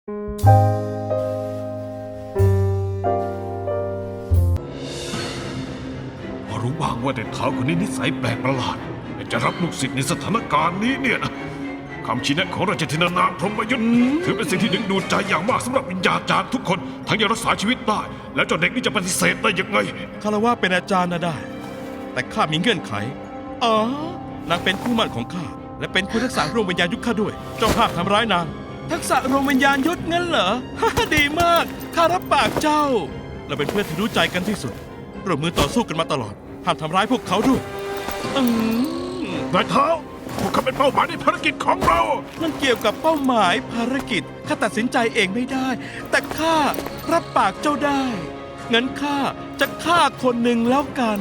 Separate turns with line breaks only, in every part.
พอรู้บ้างว่าเด็กเท้าคนนี้นิสัยแปลกประหลาดแต่จะรับลูกศิษย์ในสถานการณ์นี้เนี่ยนะคำชี้แนะของราชธินานามพรหมยุทธ์ถือเป็นสิ่งที่ดึงดูดใจอย่างมากสำหรับวิญญาจารย์ทุกคนทั้งยังรักษาชีวิตได้แล้วเจ้าเด็กนี่จะปฏิเสธได้ยังไง
คารวะเป็นอาจารย์นะได้ แต่ข้ามีเงื่อนไขนางเป็นคู่หมั่นของข้าและเป็นผู้ทักษะรวมวิญญาณยุทธข้าด้วยเจ้าภาพทำร้ายนางทักษะรวมวิญญาณยุทธงั้นเหรอ ดีมากข้ารับปากเจ้าเราเป็นเพื่อนที่รู้ใจกันที่สุดร่วมมือต่อสู้กันมาตลอดห้ามทำร้ายพวกเขาด้วย
นายเท้าพวกเขาเป็นเป้าหมายในภารกิจของเรา
มันเกี่ยวกับเป้าหมายภารกิจข้าตัดสินใจเองไม่ได้แต่ข้ารับปากเจ้าได้งั้นข้าจะฆ่าคนหนึ่งแล้วกัน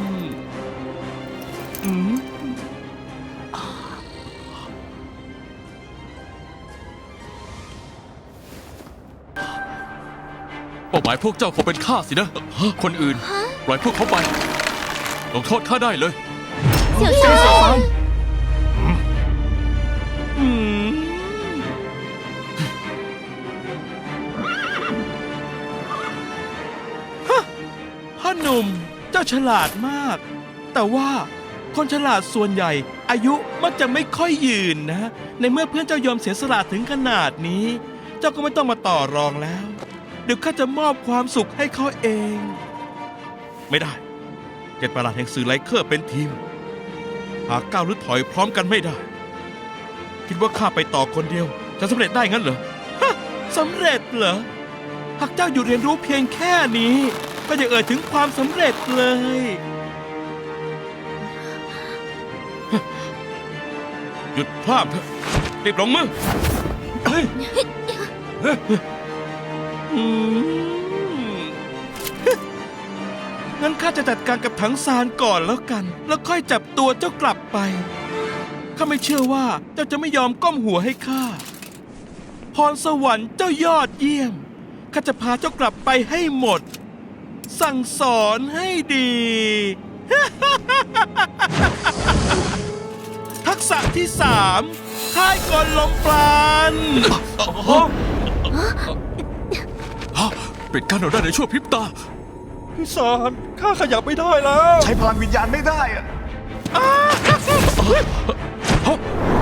เป้าหมายพวกเจ้าคงเป็นข้าสินะคนอื่นปล่อยพวกเขาไปลงโทษข้าได้เลย
เสี่ยวซาน
พ่อหนุ่มเจ้าฉลาดมากแต่ว่าคนฉลาดส่วนใหญ่อายุมักจะไม่ค่อยยืนนะในเมื่อเพื่อนเจ้ายอมเสียสละถึงขนาดนี้เจ้าก็ไม่ต้องมาต่อรองแล้วเดี๋ยวข้าจะมอบความสุขให้เขาเองไม่ได้เจ็ดประหลาดแห่งสื่อไลเคอร์เป็นทีมหากก้าวหรือถอยพร้อมกันไม่ได้คิดว่าข้าไปต่อคนเดียวจะสำเร็จได้งั้นเหรอสำเร็จเหรอหากเจ้าอยู่เรียนรู้เพียงแค่นี้ก็จะเอ่ยถึงความสำเร็จเลยหยุดพลาดเถอะรีบลงมืองั้นข้าจะจัดการกับถังซานก่อนแล้วกันแล้วค่อยจับตัวเจ้ากลับไปข้าไม่เชื่อว่าเจ้าจะไม่ยอมก้มหัวให้ข้าพรสวรรค์เจ้ายอดเยี่ยมข้าจะพาเจ้ากลับไปให้หมดสั่งสอนให้ดี ทักษะที่3ค่ายกลลมปราณ
ปิดกั้นเราได้ในชั่วพริบตา
พี่สารข้าขยับไม่ได้แล้ว
ใช้พลังวิญญาณไม่ได้อะ